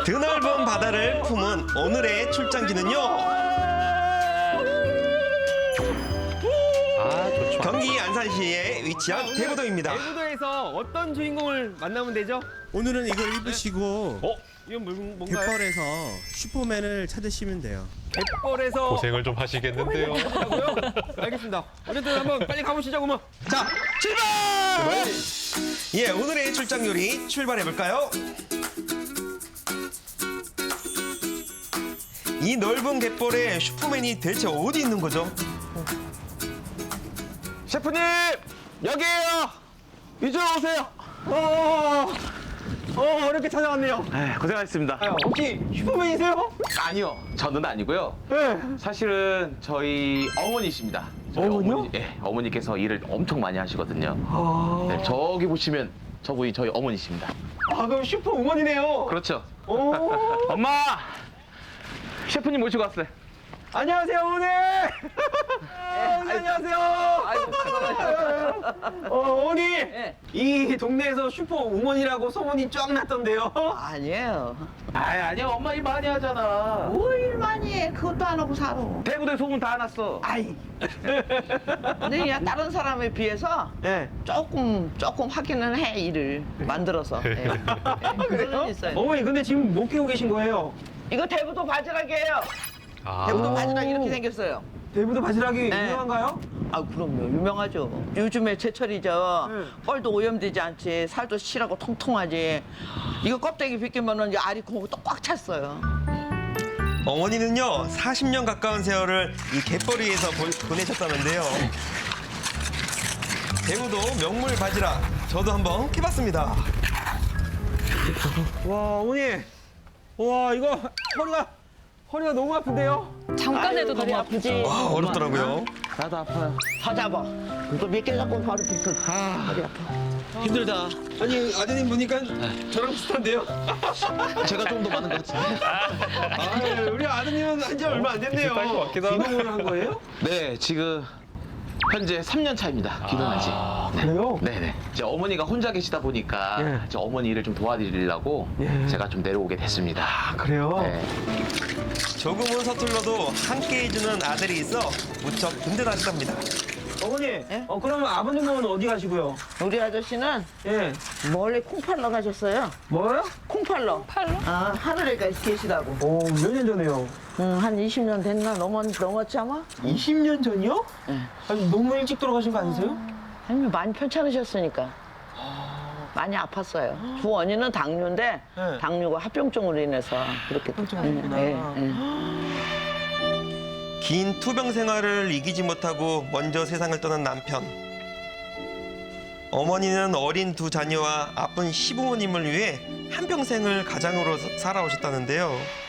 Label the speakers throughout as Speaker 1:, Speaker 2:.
Speaker 1: 드넓은 바다를 품은 오늘의 출장지는요.
Speaker 2: 좋죠.
Speaker 1: 경기 안산시에 위치한 대부도입니다.
Speaker 3: 대부도에서 어떤 주인공을 만나면 되죠?
Speaker 4: 오늘은 이걸 입으시고
Speaker 3: 이건 뭔가요?
Speaker 4: 갯벌에서 슈퍼맨을 찾으시면 돼요.
Speaker 3: 갯벌에서
Speaker 2: 고생을 좀 하시겠는데요.
Speaker 3: 하고요? 알겠습니다. 어쨌든 한번 빨리 가보시죠, 그러면.
Speaker 1: 자, 출발! 예, 오늘의 출장 요리 출발해볼까요? 이 넓은 갯벌에 슈퍼맨이 대체 어디 있는 거죠?
Speaker 3: 셰프님! 여기에요! 이쪽으로 오세요! 어렵게 찾아왔네요.
Speaker 5: 고생하셨습니다.
Speaker 3: 혹시 슈퍼맨이세요?
Speaker 5: 아니요, 저는 아니고요.
Speaker 3: 네.
Speaker 5: 사실은 저희 어머니십니다. 저희
Speaker 3: 어머니요?
Speaker 5: 어머니께서 일을 엄청 많이 하시거든요. 네, 저기 보시면 저분이 저희 어머니십니다.
Speaker 3: 그럼 슈퍼우먼이네요.
Speaker 5: 그렇죠.
Speaker 3: 오.
Speaker 5: 엄마! 셰프님 모시고 왔어요.
Speaker 3: 안녕하세요, 어머니! 안녕하세요! 어머니! 이 동네에서 슈퍼우먼이라고 소문이 쫙 났던데요?
Speaker 6: 아니에요.
Speaker 5: 아니야, 엄마 일 많이 하잖아.
Speaker 6: 뭐 일 많이 해. 그것도 안 하고 살아.
Speaker 5: 대구대 소문 다 났어.
Speaker 6: 아이. 근데 그냥 다른 사람에 비해서
Speaker 3: 네.
Speaker 6: 조금 확인은 해, 일을 만들어서. 예. 그런 있어요.
Speaker 3: 어머니, 근데 지금 못 키우고 계신 거예요?
Speaker 6: 이거 대부도 바지락이에요.
Speaker 2: 아,
Speaker 6: 대부도 바지락 이렇게 생겼어요.
Speaker 3: 대부도 바지락이
Speaker 6: 네.
Speaker 3: 유명한가요?
Speaker 6: 아, 그럼요. 유명하죠. 요즘에 제철이죠.
Speaker 3: 네.
Speaker 6: 뻘도 오염되지 않지. 살도 실하고 통통하지. 이거 껍데기 벗기면은 이제 알이 콩고 또 꽉 찼어요.
Speaker 1: 어머니는요, 40년 가까운 세월을 이 갯벌 위에서 보내셨다는데요. 대구도 명물 바지락, 저도 한번 해봤습니다.
Speaker 3: 와, 어머니. 와, 이거 허리가 너무 아픈데요?
Speaker 7: 잠깐 해도 너무 아프지.
Speaker 1: 와, 어렵더라고요.
Speaker 5: 나도 아파요.
Speaker 6: 더 잡아. 또 몇 개 잡고 바로 비켜. 허리 아파.
Speaker 5: 힘들다.
Speaker 3: 아니, 아드님 보니까 저랑 비슷한데요?
Speaker 5: 제가 좀 더 많은 것 같은데.
Speaker 3: 아, 우리 아드님은 한 지 얼마 안 됐네요.
Speaker 2: 비슷할 것 같기도 하고.
Speaker 3: 귀농을 한 거예요?
Speaker 5: 네, 지금 현재 3년 차입니다. 귀농한 지.
Speaker 3: 그래요?
Speaker 5: 네네. 이제 어머니가 혼자 계시다 보니까
Speaker 3: 예.
Speaker 5: 이제 어머니 일을 좀 도와드리려고
Speaker 3: 예.
Speaker 5: 제가 좀 내려오게 됐습니다.
Speaker 3: 그래요?
Speaker 5: 네.
Speaker 1: 조금은 서툴러도 함께 해주는 아들이 있어 무척 든든하시답니다.
Speaker 3: 어머니,
Speaker 6: 예?
Speaker 3: 그러면 아버님은 어디 가시고요?
Speaker 6: 우리 아저씨는
Speaker 3: 예.
Speaker 6: 멀리 콩 팔러 가셨어요.
Speaker 3: 뭐요?
Speaker 6: 콩 팔러.
Speaker 7: 팔로?
Speaker 6: 아, 하늘에 계시다고.
Speaker 3: 오, 몇 년 전에요?
Speaker 6: 한 20년 됐나? 넘었지 아마?
Speaker 3: 20년 전이요?
Speaker 6: 예.
Speaker 3: 아니, 너무 일찍 돌아가신 거 아니세요?
Speaker 6: 아니, 많이 편찮으셨으니까. 많이 아팠어요. 두 언니는 당뇨인데
Speaker 3: 네.
Speaker 6: 당뇨가 합병증으로 인해서 그렇게
Speaker 3: 합병증이구나.
Speaker 1: 긴 투병 생활을 이기지 못하고 먼저 세상을 떠난 남편. 어머니는 어린 두 자녀와 아픈 시부모님을 위해 한평생을 가장으로 살아오셨다는데요.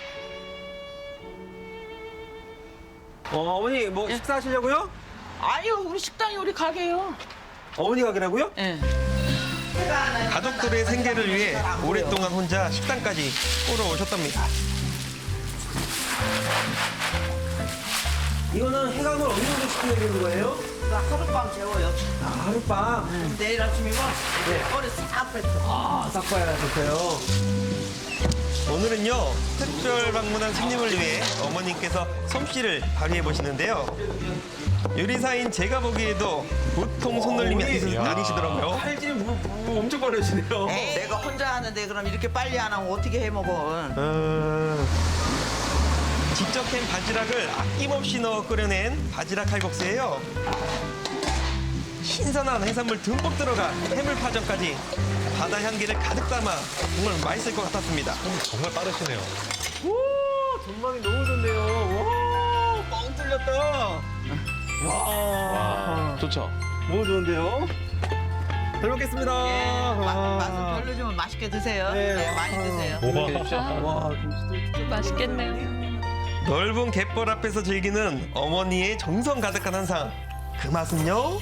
Speaker 3: 어머니, 뭐 식사하시려고요?
Speaker 6: 아니요, 우리 식당이 우리 가게요.
Speaker 3: 어머니 가게라고요?
Speaker 6: 예.
Speaker 1: 가족들의 생계를 위해 오랫동안 혼자 식당까지 꾸려오셨답니다.
Speaker 3: 이거는 해감을 어느 정도 시켜야 되는 거예요?
Speaker 6: 나 하룻밤 재워요.
Speaker 3: 아, 하룻밤.
Speaker 6: 내일 아침이면 머리 싹 뱉어.
Speaker 3: 아, 싹 봐야 좋고요.
Speaker 1: 오늘은요, 특별 방문한 손님을 위해 어머님께서 솜씨를 발휘해 보시는데요. 요리사인 제가 보기에도 보통 손놀림이 아니시더라고요.
Speaker 3: 팔질이 엄청 빠르시네요.
Speaker 6: 에이, 내가 혼자 하는데 그럼 이렇게 빨리 안 하면 어떻게 해 먹어?
Speaker 1: 직접 캔 바지락을 아낌없이 넣어 끓여낸 바지락 칼국수예요. 신선한 해산물 듬뿍 들어간 해물파전까지 바다 향기를 가득 담아 정말 맛있을 것 같았습니다.
Speaker 2: 정말 빠르시네요.
Speaker 3: 오, 전망이 너무 좋네요. 와, 뻥 뚫렸다. 와,
Speaker 5: 좋죠?
Speaker 3: 너무 좋은데요? 잘 먹겠습니다.
Speaker 6: 맛은 별로지만 맛있게 드세요.
Speaker 3: 네.
Speaker 6: 네, 많이 드세요.
Speaker 3: 와, 김치도
Speaker 7: 맛있겠네요.
Speaker 1: 넓은 갯벌 앞에서 즐기는 어머니의 정성 가득한 한상. 그 맛은요?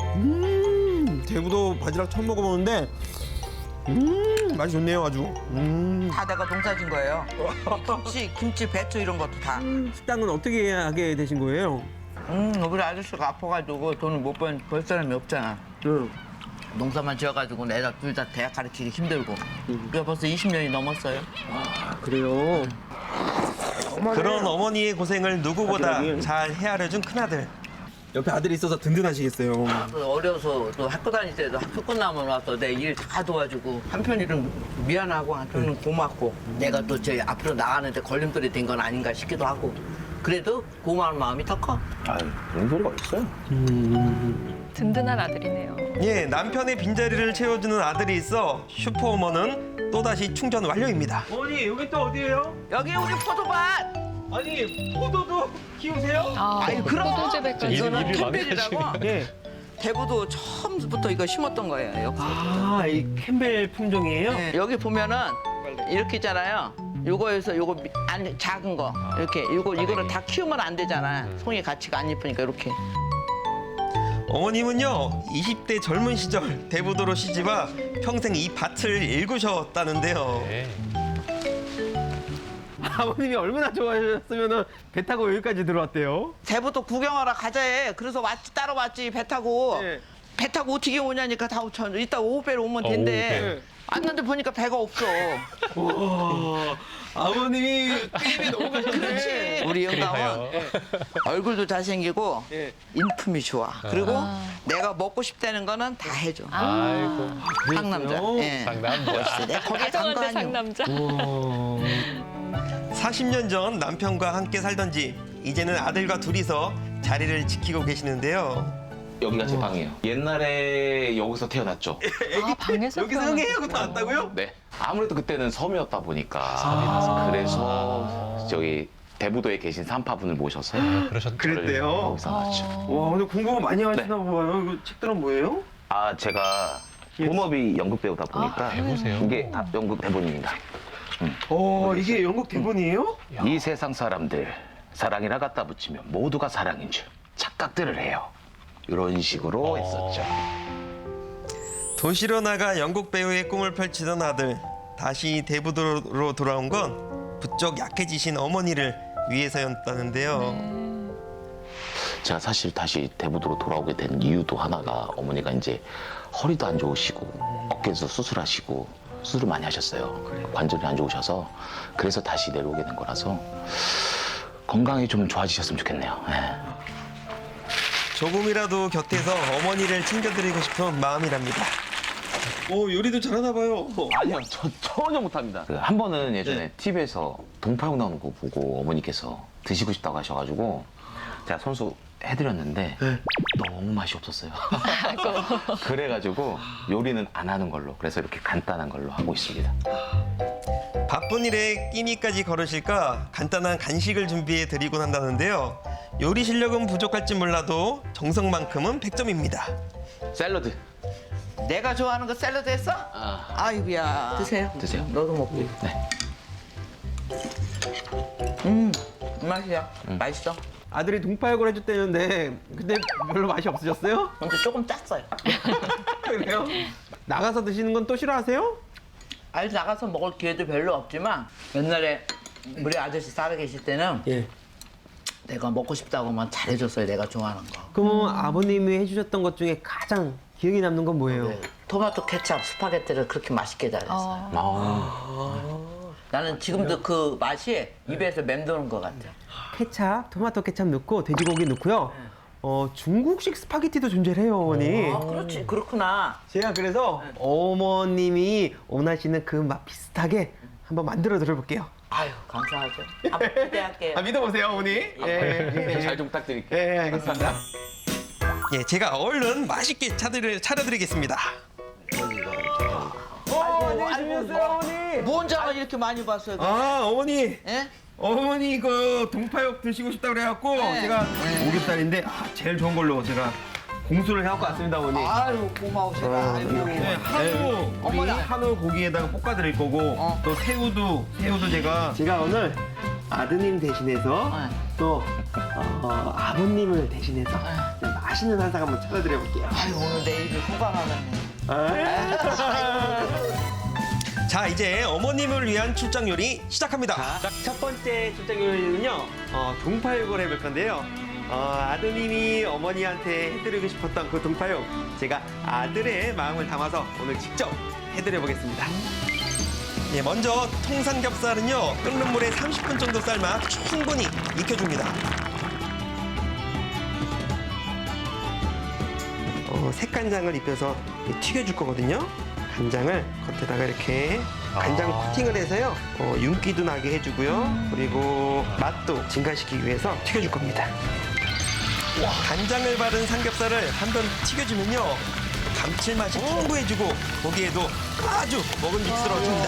Speaker 4: 대구도 바지락 처음 먹어보는데 맛이 좋네요 아주.
Speaker 6: 다 내가 농사진 거예요. 김치, 배추 이런 것도 다.
Speaker 3: 식당은 어떻게 하게 되신 거예요?
Speaker 6: 우리 아저씨가 아파가지고 돈을 못 벌 사람이 없잖아.
Speaker 3: 응.
Speaker 6: 농사만 지어가지고 애들 둘 다 대학 가르치기 힘들고. 그게 벌써 20년이 넘었어요.
Speaker 3: 그래요.
Speaker 1: 그런 어머니의 고생을 누구보다 잘 헤아려준 큰아들.
Speaker 4: 옆에 아들이 있어서 든든하시겠어요.
Speaker 6: 어려서 또 학교 다닐 때도 학교 끝나면 와서 내 일 다 도와주고 한편으로는 미안하고 한편으로는 고맙고 내가 또 제 앞으로 나가는데 걸림돌이 된 건 아닌가 싶기도 하고 그래도 고마운 마음이 더 커.
Speaker 4: 아유, 그런 소리가 어딨어요?
Speaker 7: 든든한 아들이네요.
Speaker 1: 예, 남편의 빈자리를 채워주는 아들이 있어 슈퍼우먼은 또다시 충전 완료입니다.
Speaker 3: 어머니 여기 또 어디예요?
Speaker 6: 여기 우리 포도밭.
Speaker 3: 아니 포도도 키우세요?
Speaker 6: 아이, 그럼.
Speaker 7: 포도재배까지.
Speaker 6: 이거는
Speaker 2: 일이
Speaker 6: 캠벨이라고.
Speaker 3: 예.
Speaker 6: 대부도 처음부터 이거 심었던 거예요.
Speaker 3: 아이 캠벨 품종이에요?
Speaker 6: 네. 여기 보면은 이렇게 있잖아요. 요거에서 요거 아니 작은 거 이렇게 이거를 다 키우면 안 되잖아. 송이 가치가 안 예쁘니까 이렇게.
Speaker 1: 어머님은요 20대 젊은 시절 대부도로 시집와 평생 이 밭을 일구셨다는데요.
Speaker 2: 네.
Speaker 3: 아버님이 얼마나 좋아하셨으면 배 타고 여기까지 들어왔대요.
Speaker 6: 대부도 구경하러 가자 해. 그래서 따라왔지 배 타고.
Speaker 3: 네.
Speaker 6: 배 타고 어떻게 오냐니까 다 이따 오후배로 오면 된대. 왔는데 보니까 배가 없어.
Speaker 3: 와, 아버님이 게임에 너무 가셨네.
Speaker 6: 그렇지. 우리 영감은
Speaker 2: 그래요.
Speaker 6: 얼굴도 잘생기고
Speaker 3: 예.
Speaker 6: 인품이 좋아. 그리고 내가 먹고 싶다는 거는 다 해줘.
Speaker 2: 아이고.
Speaker 6: 상남자. 예.
Speaker 2: 상남자.
Speaker 6: 내가 거기에 간거
Speaker 7: 다정한데
Speaker 6: 아니야.
Speaker 7: 상남자.
Speaker 1: 40년 전 남편과 함께 살던 집, 이제는 아들과 둘이서 자리를 지키고 계시는데요.
Speaker 5: 여기가 제 방이에요. 옛날에 여기서 태어났죠.
Speaker 7: 아, 방에서
Speaker 3: 여기서 형이하고 나왔다고요?
Speaker 5: 네. 아무래도 그때는 섬이었다 보니까 그래서 저기 대부도에 계신 산파분을 모셔서
Speaker 2: 그러셨.
Speaker 3: 그랬대요?
Speaker 5: 여기서 낳았죠.
Speaker 3: 와, 오늘 공부 많이 하시나 봐요. 이거 책들은 뭐예요?
Speaker 5: 아 제가 본업이 연극 배우다 보니까
Speaker 2: 배우세요?
Speaker 5: 이게 다 연극 대본입니다.
Speaker 3: 이게 영국 대본이에요?
Speaker 5: 이 세상 사람들 사랑이라 갖다 붙이면 모두가 사랑인 줄 착각들을 해요. 이런 식으로 했었죠.
Speaker 1: 도시로 나가 영국 배우의 꿈을 펼치던 아들, 다시 대부도로 돌아온 건 부쩍 약해지신 어머니를 위해서였다는데요.
Speaker 5: 제가 사실 다시 대부도로 돌아오게 된 이유도 하나가 어머니가 이제 허리도 안 좋으시고 어깨에서 수술하시고 수술을 많이 하셨어요. 관절이 안 좋으셔서 그래서 다시 내려오게 된 거라서 건강이 좀 좋아지셨으면 좋겠네요. 네.
Speaker 1: 조금이라도 곁에서 어머니를 챙겨드리고 싶은 마음이랍니다.
Speaker 4: 요리도 잘하나 봐요.
Speaker 5: 아니요, 저 전혀 못합니다. 한 번은 예전에 TV에서 동파육 나오는 거 보고 어머니께서 드시고 싶다고 하셔가지고 제가 손수 해드렸는데 너무 맛이 없었어요. 그래가지고 요리는 안 하는 걸로, 그래서 이렇게 간단한 걸로 하고 있습니다.
Speaker 1: 바쁜 일에 끼니까지 걸으실까 간단한 간식을 준비해 드리곤 한다는데요. 요리 실력은 부족할지 몰라도 정성만큼은 100점입니다.
Speaker 5: 샐러드.
Speaker 6: 내가 좋아하는 거 샐러드 했어? 아이고야. 드세요.
Speaker 5: 드세요.
Speaker 6: 너도 먹고.
Speaker 5: 네.
Speaker 6: 맛이야. 맛있어.
Speaker 3: 아들이 동파육을 해줬다는데 근데 별로 맛이 없으셨어요?
Speaker 6: 근데 조금 짰어요.
Speaker 3: 그래요? 나가서 드시는 건 또 싫어하세요?
Speaker 6: 아니 나가서 먹을 기회도 별로 없지만 옛날에 우리 아저씨 살아 계실 때는
Speaker 3: 예.
Speaker 6: 내가 먹고 싶다고 하면 잘해줬어요. 내가 좋아하는 거.
Speaker 3: 그럼 아버님이 해주셨던 것 중에 가장 기억에 남는 건 뭐예요?
Speaker 6: 네. 토마토 케찹 스파게티를 그렇게 맛있게 잘했어요. 나는 지금도 그 맛이 입에서 맴도는 것 같아.
Speaker 3: 케찹, 토마토 케찹 넣고 돼지고기 넣고요. 중국식 스파게티도 존재해요, 어머니.
Speaker 6: 아, 그렇지. 그렇구나.
Speaker 3: 제가 그래서 어머님이 원하시는 그 맛 비슷하게 한번 만들어 드려볼게요.
Speaker 6: 아유, 감사하죠. 한번 기대할게요.
Speaker 3: 믿어보세요, 어머니. 예.
Speaker 5: 잘 좀 부탁드릴게요.
Speaker 3: 예, 알겠습니다.
Speaker 1: 예, 제가 얼른 맛있게 차려드리겠습니다.
Speaker 3: 안녕하세요, 어머니.
Speaker 6: 뭔 장을 이렇게 많이 봤어요?
Speaker 3: 어머니.
Speaker 6: 예?
Speaker 3: 어머니 그 동파육 드시고 싶다 그래갖고
Speaker 6: 네.
Speaker 3: 제가 오겹살인데 제일 좋은 걸로 제가 공수를 해갖고 왔습니다, 어머니.
Speaker 6: 아유, 고마우시다. 아이고.
Speaker 3: 네, 한우 우리
Speaker 6: 어머나.
Speaker 3: 한우 고기에다가 볶아드릴 거고 또 새우도 제가 오늘 아드님 대신해서 또 아버님을 대신해서 맛있는 한상 한번 차려드려볼게요.
Speaker 6: 아유, 오늘 내 입이 호강하네.
Speaker 1: 자, 이제 어머님을 위한 출장 요리 시작합니다.
Speaker 3: 첫 번째 출장 요리는요 동파육을 해볼 건데요. 아드님이 어머니한테 해드리고 싶었던 그 동파육 제가 아들의 마음을 담아서 오늘 직접 해드려 보겠습니다.
Speaker 1: 예, 먼저 통삼겹살은요 끓는 물에 30분 정도 삶아 충분히 익혀줍니다. 색간장을 입혀서 튀겨줄 거거든요. 간장을 겉에다가 이렇게 간장 코팅을 해서요 윤기도 나게 해주고요. 그리고 맛도 증가시키기 위해서 튀겨줄 겁니다. 간장을 바른 삼겹살을 한 번 튀겨주면요 감칠맛이 풍부해지고 고기에도 아주 먹음직스러워집니다.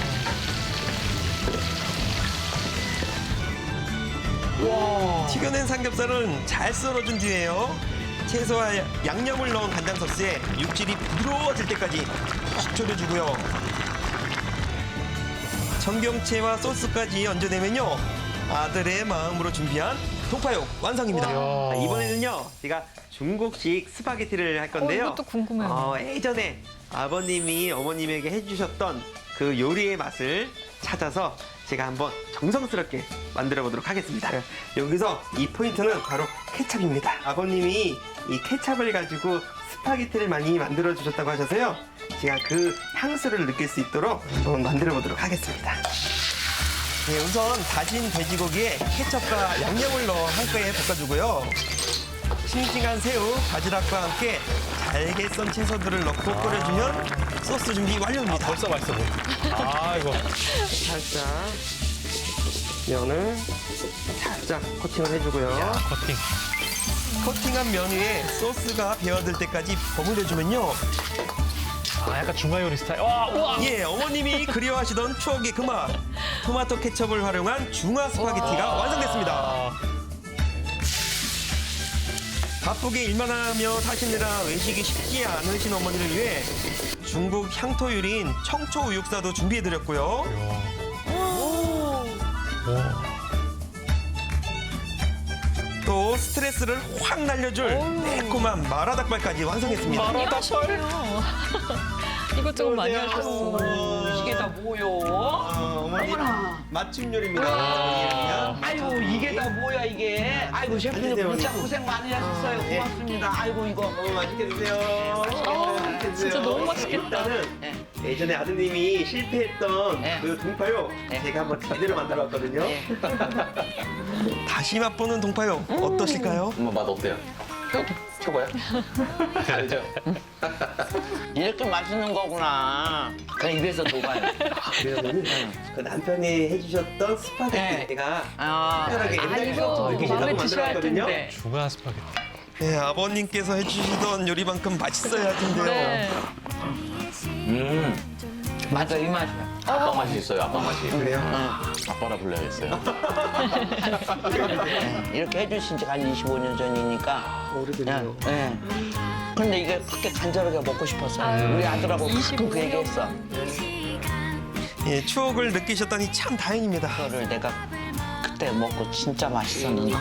Speaker 1: 튀겨낸 삼겹살은 잘 썰어준 뒤에요 채소와 양념을 넣은 간장 소스에 육질이 부드러워질 때까지 푹 졸여주고요. 청경채와 소스까지 얹어내면요 아들의 마음으로 준비한 동파육 완성입니다.
Speaker 3: 이번에는요 제가 중국식 스파게티를 할 건데요.
Speaker 7: 이것도 궁금해요.
Speaker 3: 예전에 아버님이 어머님에게 해주셨던 그 요리의 맛을 찾아서 제가 한번 정성스럽게 만들어 보도록 하겠습니다. 여기서 이 포인트는 바로 케찹입니다. 아버님이 이 케찹을 가지고 스파게티를 많이 만들어 주셨다고 하셔서요. 제가 그 향수를 느낄 수 있도록 한번 만들어 보도록 하겠습니다.
Speaker 1: 네, 우선 다진 돼지고기에 케첩과 양념을 넣어 한꺼에 볶아주고요. 싱싱한 새우, 바지락과 함께 잘게 썬 채소들을 넣고 끓여주면 소스 준비 완료입니다.
Speaker 2: 벌써 맛있어 보여. 아이고.
Speaker 3: 살짝 면을 살짝 코팅을 해주고요.
Speaker 2: 커팅.
Speaker 1: 코팅한 면 위에 소스가 배어들 때까지 버무려주면요.
Speaker 2: 아, 약간 중화 요리 스타일. 우와.
Speaker 1: 예, 어머님이 그리워하시던 추억의 그 맛. 토마토 케첩을 활용한 중화 스파게티가 완성됐습니다.
Speaker 2: 아,
Speaker 1: 바쁘게 일만 하며 사시느라 외식이 쉽지 않으신 어머니를 위해 중국 향토 요리인 청초 우육사도 준비해드렸고요. 또 스트레스를 확 날려줄 매콤한 마라닭발까지 완성했습니다.
Speaker 7: 마라닭발. 이것 저것 많이 하셨어.
Speaker 6: 이게 다 뭐요?
Speaker 3: 어머니 맞춤 요리입니다.
Speaker 6: 아이고 이게 다 뭐야 이게? 아이고 셰프님
Speaker 3: 드세요,
Speaker 6: 진짜
Speaker 3: 어머니.
Speaker 6: 고생 많이 하셨어요. 고맙습니다. 아이고 이거.
Speaker 3: 맛있게 드세요. 맛있게 드세요.
Speaker 7: 진짜 너무 맛있겠다.
Speaker 3: 일단은 예전에 아드님이 실패했던
Speaker 6: 네.
Speaker 3: 그 동파육
Speaker 6: 네.
Speaker 3: 제가 한번 제대로 만들어 왔거든요.
Speaker 1: 다시 맛보는 동파육 어떠실까요?
Speaker 5: 엄마 맛 어때요? 최고야? 알죠?
Speaker 6: 이렇게 맛있는 거구나. 그냥 입에서 녹아요.
Speaker 3: 그러면은 그 남편이 해주셨던 스파게티
Speaker 6: 네.
Speaker 3: 제가
Speaker 6: 아,
Speaker 3: 특별하게 옛날부터
Speaker 7: 아이고,
Speaker 3: 이렇게
Speaker 7: 마음에
Speaker 3: 제가
Speaker 7: 드셔야 할
Speaker 3: 만들었거든요.
Speaker 7: 텐데.
Speaker 2: 중화 스파게티.
Speaker 1: 네, 아버님께서 해주시던 요리만큼 맛있어야 할 텐데요.
Speaker 7: 네.
Speaker 6: 맞아 이 맛이야.
Speaker 5: 아빠 맛이 있어요, 아빠 맛이.
Speaker 3: 그래요?
Speaker 5: 아빠라 불러야겠어요.
Speaker 6: 이렇게 해주신 지가 한 25년 전이니까.
Speaker 3: 오래됐네요.
Speaker 6: 예. 근데 이게 그렇게 간절하게 먹고 싶었어요. 우리 아들하고 가끔 그 얘기했어.
Speaker 1: 예, 추억을 느끼셨다니 참 다행입니다.
Speaker 6: 그거를 내가 그때 먹고 진짜 맛있었는데.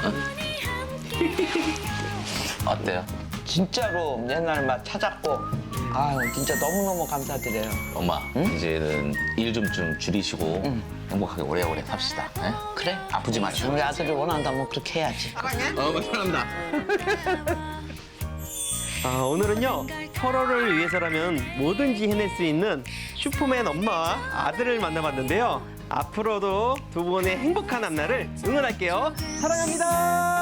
Speaker 5: 어때요?
Speaker 6: 진짜로 옛날 맛 찾았고. 아유 진짜 너무너무 감사드려요.
Speaker 5: 엄마, 이제는 일 좀 줄이시고 행복하게 오래오래 삽시다. 예?
Speaker 6: 그래?
Speaker 5: 아프지 마시고.
Speaker 6: 우리 아들이 원한다면 그렇게 해야지.
Speaker 3: 사랑합니다. 오늘은요 서로를 위해서라면 뭐든지 해낼 수 있는 슈퍼맨 엄마와 아들을 만나봤는데요. 앞으로도 두 분의 행복한 앞날을 응원할게요. 사랑합니다.